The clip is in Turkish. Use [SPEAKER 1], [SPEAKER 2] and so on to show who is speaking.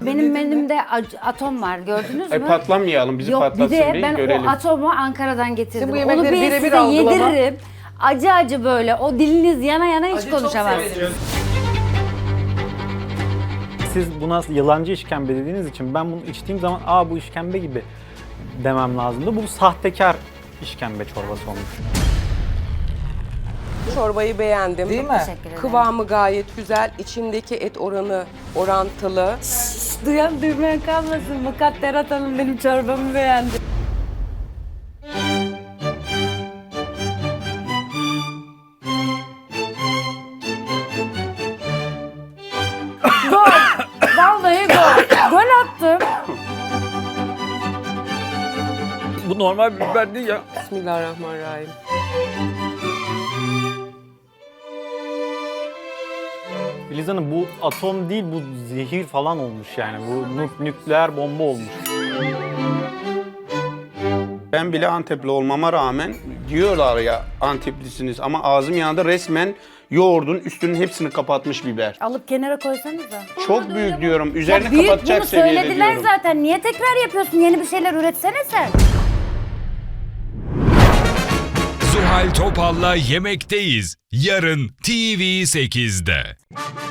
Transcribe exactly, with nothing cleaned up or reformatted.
[SPEAKER 1] Benim menümde ac- atom var, gördünüz mü?
[SPEAKER 2] E patlamayalım, bizi
[SPEAKER 1] Yok, bir
[SPEAKER 2] patlatsın
[SPEAKER 1] de
[SPEAKER 2] bir
[SPEAKER 1] ben
[SPEAKER 2] görelim.
[SPEAKER 1] o atomu Ankara'dan getirdim.
[SPEAKER 3] Şimdi bu
[SPEAKER 1] Onu
[SPEAKER 3] yemekleri
[SPEAKER 1] bir
[SPEAKER 3] birebir
[SPEAKER 1] size
[SPEAKER 3] algılama.
[SPEAKER 1] yediririm. Acı acı böyle, o diliniz yana yana hiç
[SPEAKER 3] Acı çok
[SPEAKER 1] konuşamazsınız.
[SPEAKER 3] severim.
[SPEAKER 4] Siz buna yalancı işkembe dediğiniz için ben bunu içtiğim zaman aa bu işkembe gibi demem lazımdı. Bu sahtekar işkembe çorbası olmuş.
[SPEAKER 3] Çorbayı beğendim.
[SPEAKER 5] Değil mi?
[SPEAKER 1] Teşekkür ederim.
[SPEAKER 3] Kıvamı gayet güzel. İçindeki et oranı orantılı.
[SPEAKER 1] Duyan duymayan kalmasın. Mukadderat Hanım benim çorbamı beğendi. Gol! Vallahi gol! Gol attım.
[SPEAKER 4] Bu normal bir biber değil ya.
[SPEAKER 3] Bismillahirrahmanirrahim.
[SPEAKER 4] Filiz Hanım bu atom değil bu zehir falan olmuş yani. Bu nük- nükleer bomba olmuş.
[SPEAKER 2] Ben bile Antepli olmama rağmen diyorlar ya Anteplisiniz ama ağzım yanında resmen yoğurdun üstünün hepsini kapatmış biber.
[SPEAKER 1] Alıp kenara koysanıza.
[SPEAKER 2] Çok büyük diyorum. Üzerine
[SPEAKER 1] Ya büyük,
[SPEAKER 2] kapatacak
[SPEAKER 1] bunu
[SPEAKER 2] seviyede
[SPEAKER 1] söylediler
[SPEAKER 2] diyorum.
[SPEAKER 1] zaten. Niye tekrar yapıyorsun? Yeni bir şeyler üretsene sen.
[SPEAKER 6] Zuhal Topal'la Yemekteyiz. Yarın T V sekizde.